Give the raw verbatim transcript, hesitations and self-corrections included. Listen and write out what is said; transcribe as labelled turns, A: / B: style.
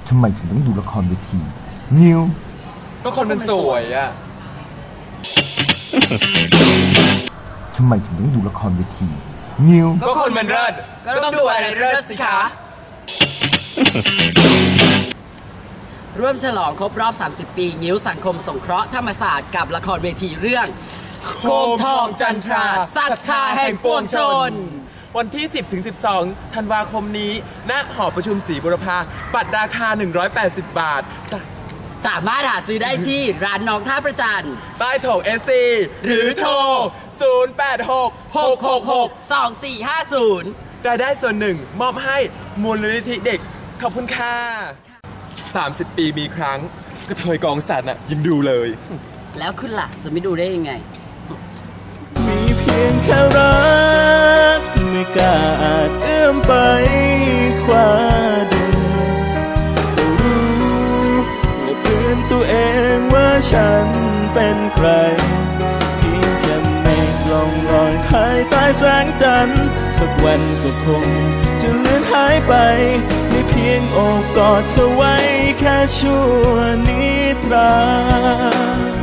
A: ทำไมถึงต้องดูละครเวทีงิ้ว
B: ก็คนมันสวยอะ
A: ทำไมถึงต้องดูละครเวทีงิ้ว
B: ก็คนมันเลิศก็ต้องดูอะไรเลิศสิคะ
C: ร่วมฉลองครบรอบสามสิบปีงิ้วสังคมสงเคราะห์ธรรมศาสตร์กับละครเวทีเรื่องโคมทองจันทราศรัทธาแห่งปวงชน
B: วันที่ สิบถึงสิบสอง ธันวาคมนี้ณหอประชุมศรีบุรพาบัตรราคาหนึ่งร้อยแปดสิบบาท
C: สามารถหาซื้อได้ที่ร้านน้องท่าประจัน
B: ใต้โถง เอส ซี หรือโทรศูนย์ แปด หก หก หก หก
C: สอง สี่ ห้า ศูนย์
B: รายได้ส่วนหนึ่งมอบให้มูลนิธิเด็กขอบคุณค่ะสามสิบปีมีครั้งกระเทยกองสันน่ะยังดูเลย
C: แล้วคุณล่ะจะไม่ดูได้ยังไง
D: มีเพียงแค่รักไม่กล้าอาจเอื้อมไปคว้าดูแต่รู้และเตือนตัวเองว่าฉันเป็นใครเพียงแค่เมฆล่องลอยภายใต้แสงจันทร์สักวันก็คงจะเลือนหายไปไม่เพียงโอบกอดเธอไว้แค่ชั่วนิทรา